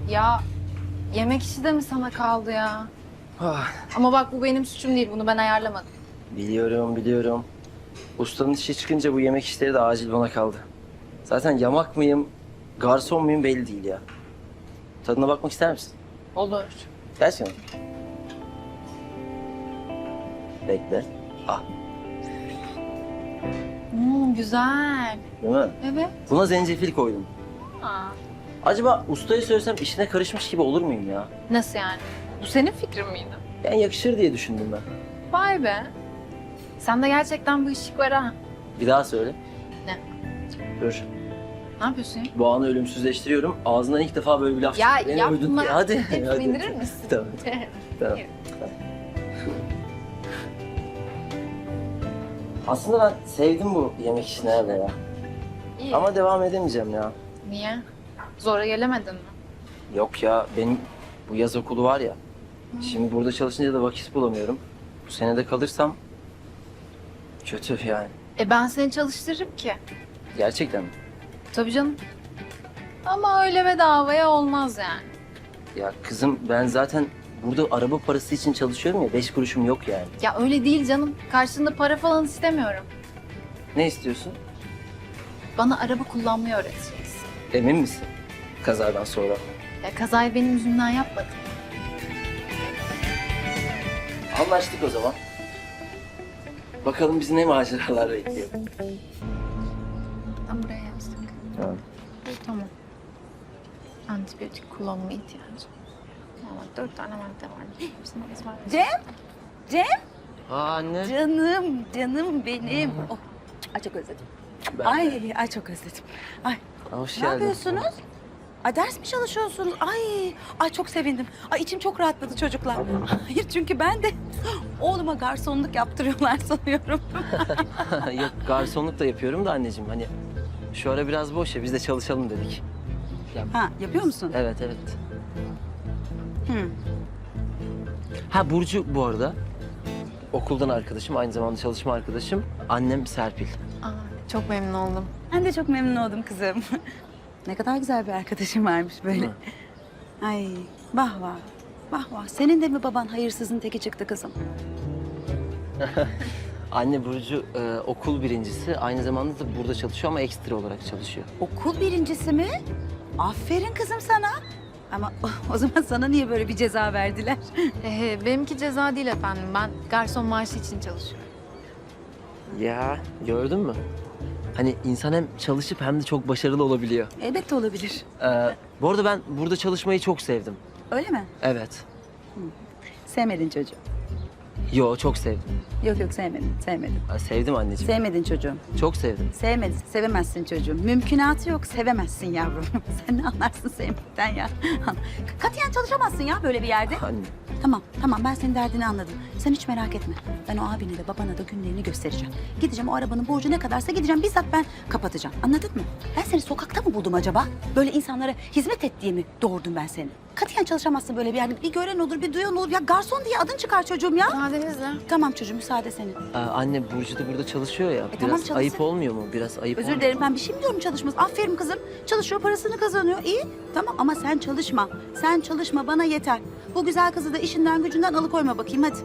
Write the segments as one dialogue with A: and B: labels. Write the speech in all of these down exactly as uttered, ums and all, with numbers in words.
A: Ya yemek işi de mi sana kaldı ya?
B: Ah,
A: Ama bak bu benim suçum değil. Bunu ben ayarlamadım.
B: biliyorum biliyorum. Ustanın işi çıkınca bu yemek işleri de acil bana kaldı. Zaten yamak mıyım, garson muyum belli değil ya. Tadına bakmak ister misin?
A: Olur.
B: Gerçekten. Bekle. Ah,
A: Hmm, güzel.
B: değil mi?
A: Evet.
B: Buna zencefil koydum.
A: Aa,
B: Acaba ustaya söylesem işine karışmış gibi olur muyum ya?
A: nasıl yani? Bu senin fikrin miydi?
B: Ben yakışır diye düşündüm ben.
A: Vay be. Sende gerçekten bu ışık var ha.
B: Bir daha söyle.
A: Ne?
B: Dur.
A: Ne yapıyorsun ya?
B: Bu anı ölümsüzleştiriyorum. Ağzından ilk defa böyle bir laf
A: Ya
B: çıktı. Beni
A: yapma.
B: övdün diye. Hadi.
A: Hep
B: hadi.
A: indirir misin?
B: Tamam. Tamam. Aslında ben sevdim bu yemek işini herhalde ya.
A: İyi.
B: Ama devam edemeyeceğim ya.
A: Niye? Zora gelemedin mi?
B: Yok ya, benim bu yaz okulu var ya. Şimdi burada çalışınca da vakit bulamıyorum. Bu sene de kalırsam kötü yani.
A: E ben seni çalıştırırım ki.
B: Gerçekten mi?
A: Tabii canım. Ama öyle bedavaya olmaz yani.
B: Ya kızım, ben zaten burada araba parası için çalışıyorum ya. Beş kuruşum yok yani.
A: Ya öyle değil canım. Karşılığında para falan istemiyorum.
B: Ne istiyorsun?
A: Bana araba kullanmayı öğreteceksin.
B: Emin misin? Kazadan sonra.
A: Ya kazayı benim yüzümden yapmadın.
B: Anlaştık o zaman. Bakalım bizi ne maceralar bekliyor.
A: Ben buraya yazdık.
B: Tamam.
A: Tamam. Antibiyotik kullanma ihtiyacı. Ama dört tane madde var. Hepsini ezber.
C: Cem? Cem?
B: Aa anne.
C: Canım, canım benim. Oh, ay çok özledim.
B: Ben
C: Ay, ay çok özledim. Ay,
B: Hoş
C: ne
B: geldin.
C: yapıyorsunuz? Ay ders mi çalışıyorsunuz? Ay, ay çok sevindim. Ay içim çok rahatladı çocuklar. Hayır çünkü ben de oğluma garsonluk yaptırıyorlar sanıyorum.
B: Yok, garsonluk da yapıyorum da anneciğim. Hani şu ara biraz boş ya, biz de çalışalım dedik. Ya,
C: Ha, yapıyor musun?
B: evet evet.
C: Hı.
B: Ha, Burcu bu arada. Okuldan arkadaşım, aynı zamanda çalışma arkadaşım. Annem Serpil.
A: Aa, çok memnun oldum.
C: Ben de çok memnun oldum kızım. Ne kadar güzel bir arkadaşım varmış böyle.
B: Hı.
C: Ay, vah vah. Vah vah. Senin de mi baban hayırsızın teki çıktı kızım?
B: Anne Burcu e, okul birincisi. Aynı zamanda da burada çalışıyor ama ekstra olarak çalışıyor.
C: Okul birincisi mi? Aferin kızım sana. Ama o zaman sana niye böyle bir ceza verdiler?
A: Ee, benimki ceza değil efendim. Ben garson maaşı için çalışıyorum.
B: Ya gördün mü? Hani insan hem çalışıp hem de çok başarılı olabiliyor.
C: Elbette olabilir.
B: Ee, bu arada ben burada çalışmayı çok sevdim.
C: Öyle mi?
B: Evet.
C: Sevmedin çocuğu.
B: Yo, çok sevdim.
C: Yok yok sevmedin, sevmedin.
B: Ha, sevdim anneciğim.
C: Sevmedin çocuğum.
B: Çok sevdim.
C: Sevmedin, sevemezsin çocuğum. Mümkünatı yok, sevemezsin yavrum. Sen ne anlarsın sevmekten ya? Katiyen çalışamazsın ya böyle bir yerde.
B: Anne.
C: Tamam, tamam ben senin derdini anladım. Sen hiç merak etme. Ben o abine de babana da günlerini göstereceğim. Gideceğim o arabanın borcu ne kadarsa gideceğim bizzat ben kapatacağım. Anladın mı? Ben seni sokakta mı buldum acaba? Böyle insanlara hizmet et diye mi doğurdum ben seni? Katiyen çalışamazsın böyle bir yerde. Bir gören olur, bir duyan olur. Ya garson diye adın çıkar çocuğum ya.
A: Müsaadenizle.
C: Tamam çocuğum müsaade senin.
B: Ee, anne Burcu da burada çalışıyor ya. Biraz
C: tamam, çalışsın.
B: ayıp olmuyor mu? Biraz ayıp
C: Özür
B: olmuyor
C: dilerim
B: mu?
C: ben bir şey mi diyorum çalışmaz. Aferin kızım. Çalışıyor parasını kazanıyor. İyi tamam ama sen çalışma. Sen çalışma bana yeter. Bu güzel kızı da işinden gücünden alıkoyma bakayım hadi.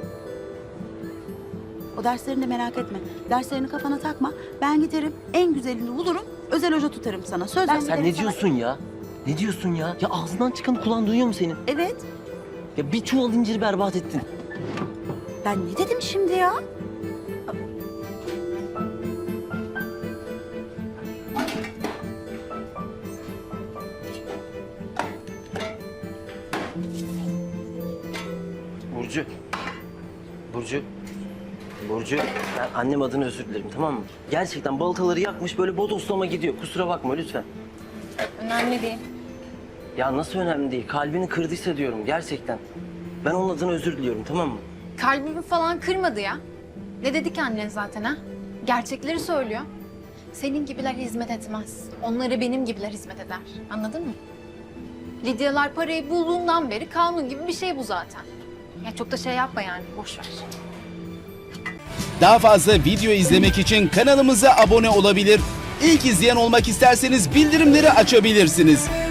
C: O derslerini de merak etme. Derslerini kafana takma. Ben giderim en güzelini bulurum. Özel hoca tutarım sana. Söz
B: Ya
C: ben
B: sen
C: giderim
B: ne
C: sana.
B: diyorsun ya? Ne diyorsun ya? Ya ağzından çıkan kulağın duyuyor mu senin?
C: Evet.
B: Ya bir çuval inciri berbat ettin.
C: Ben ne dedim şimdi ya?
B: Burcu. Burcu. Burcu. Ben annem adına özür dilerim, tamam mı? Gerçekten baltaları yakmış, böyle bodoslama gidiyor. Kusura bakma lütfen.
A: Önemli değil.
B: Ya nasıl önemli değil? Kalbini kırdıysa diyorum gerçekten. Ben onun adına özür diliyorum, tamam mı?
A: Kalbimi falan kırmadı ya. Ne dedi ki annen zaten ha? Gerçekleri söylüyor. Senin gibiler hizmet etmez. Onlara benim gibiler hizmet eder. Anladın mı? Lidyalar parayı bulduğundan beri kanun gibi bir şey bu zaten. Ya çok da şey yapma yani. Boş ver.
D: Daha fazla video izlemek için kanalımıza abone olabilir. İlk izleyen olmak isterseniz bildirimleri açabilirsiniz.